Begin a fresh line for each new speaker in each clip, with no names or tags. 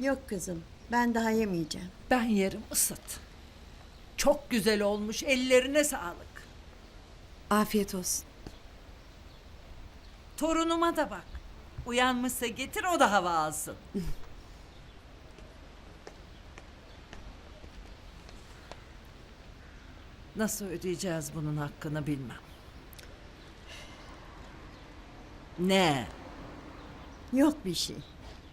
Yok kızım, ben daha yemeyeceğim.
Ben yerim, ısıt. Çok güzel olmuş, ellerine sağlık.
Afiyet olsun.
Torunuma da bak. Uyanmışsa getir, o da hava alsın. Nasıl ödeyeceğiz bunun hakkını bilmem. Ne?
Yok bir şey.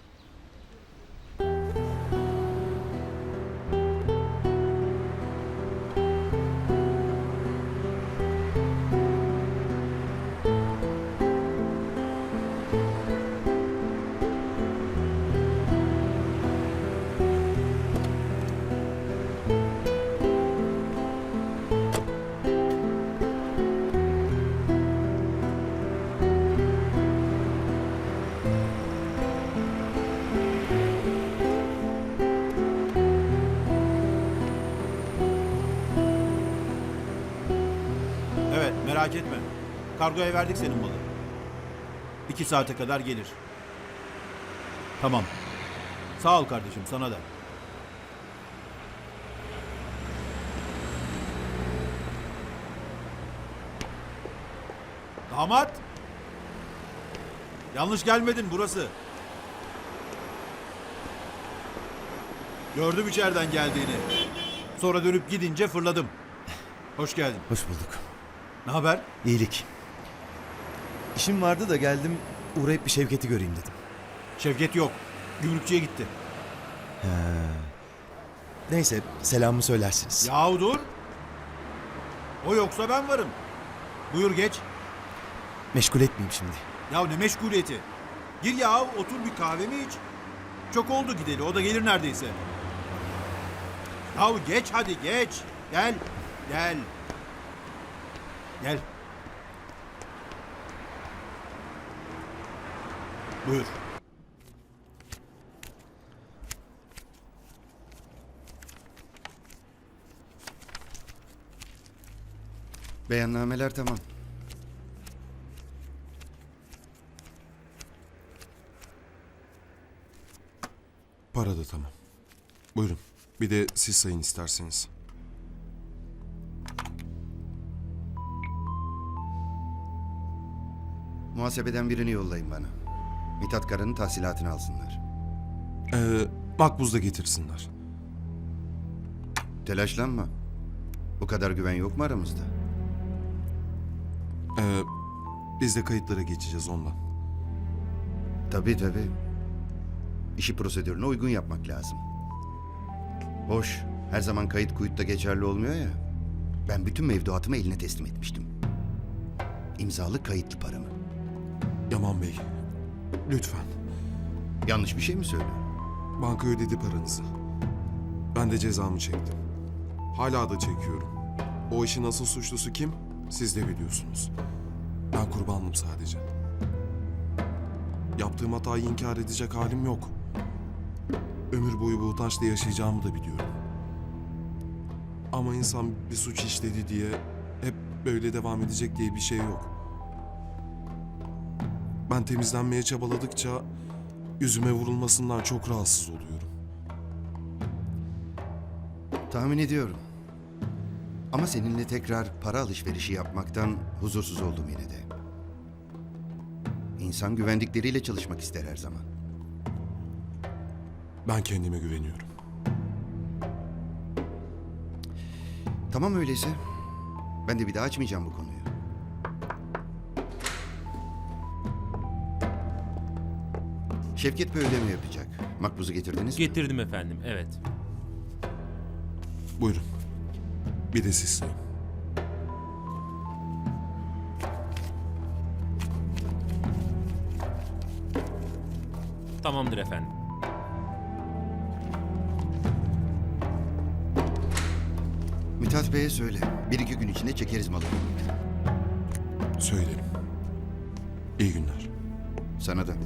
Evet, merak etme. Kargoya verdik senin malı. 2 saate kadar gelir. Tamam. Sağ ol kardeşim, sana da. Damat! Yanlış gelmedin, burası. Gördüm içeriden geldiğini. Sonra dönüp gidince fırladım. Hoş geldin.
Hoş bulduk.
Ne haber?
İyilik. İşim vardı da geldim, uğrayıp bir Şevket'i göreyim dedim.
Şevket yok. Gümrükçüye gitti.
Neyse, selamımı söylersiniz.
Yahu dur. O yoksa ben varım. Buyur geç.
Meşgul etmeyeyim şimdi.
Ya ne meşguliyeti. Gir ya, otur bir kahvemi iç. Çok oldu gideli, o da gelir neredeyse. Ya geç hadi geç. Gel. Gel. Gel. Buyur.
Beyannameler tamam.
Para da tamam. Buyurun. Bir de siz sayın isterseniz.
Muhasebeden birini yollayın bana. Mithat Kara'nın tahsilatını alsınlar.
Makbuz da getirsinler.
Telaşlanma. Bu kadar güven yok mu aramızda?
Biz de kayıtlara geçeceğiz ondan.
Tabii tabii. İşi prosedürüne uygun yapmak lazım. Hoş, her zaman kayıt kuyutta geçerli olmuyor ya. Ben bütün mevduatımı eline teslim etmiştim. İmzalı kayıtlı paramı.
Yaman Bey, lütfen.
Yanlış bir şey mi söylüyorum?
Banka ödedi paranızı. Ben de cezamı çektim. Hala da çekiyorum. O işin asıl suçlusu kim? Siz de biliyorsunuz. Ben kurbanım sadece. Yaptığım hatayı inkar edecek halim yok. Ömür boyu bu utançla yaşayacağımı da biliyorum. Ama insan bir suç işledi diye hep böyle devam edecek diye bir şey yok. Ben temizlenmeye çabaladıkça yüzüme vurulmasından çok rahatsız oluyorum.
Tahmin ediyorum. Ama seninle tekrar para alışverişi yapmaktan huzursuz oldum yine de. İnsan güvendikleriyle çalışmak ister her zaman.
Ben kendime güveniyorum.
Tamam öyleyse. Ben de bir daha açmayacağım bu konuyu. Şevket bir ödeme yapacak. Makbuzu getirdiniz mi?
Getirdim efendim, evet.
Buyurun. Bir de siz sayın.
Tamamdır efendim.
Mithat Bey'e söyle. Bir iki gün içinde çekeriz malı.
Söylerim. İyi günler.
Sana da.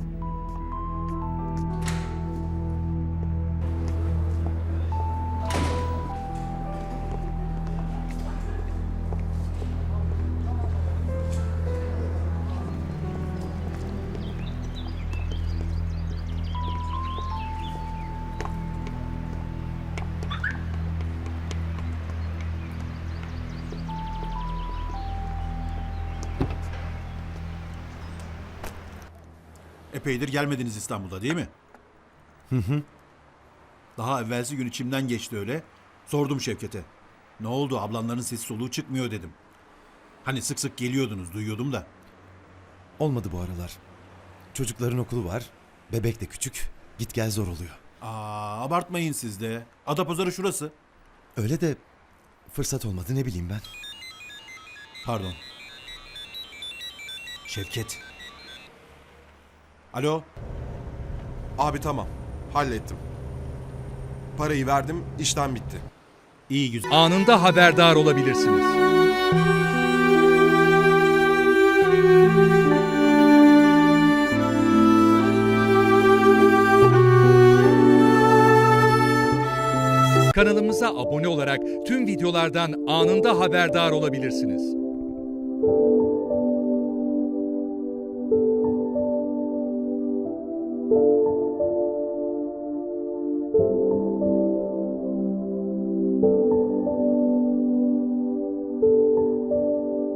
Epeydir gelmediniz İstanbul'da değil mi? Daha evvelsi gün içimden geçti öyle. Sordum Şevket'e. Ne oldu, ablanların sesi soluğu çıkmıyor dedim. Hani sık sık geliyordunuz, duyuyordum da.
Olmadı bu aralar. Çocukların okulu var. Bebek de küçük. Git gel zor oluyor.
Abartmayın siz de. Adapazarı şurası.
Öyle de fırsat olmadı, ne bileyim ben.
Pardon. Şevket. Alo.
Abi tamam. Hallettim. Parayı verdim, işlem bitti.
İyi güzel.
Anında haberdar olabilirsiniz. Kanalımıza abone olarak tüm videolardan anında haberdar olabilirsiniz.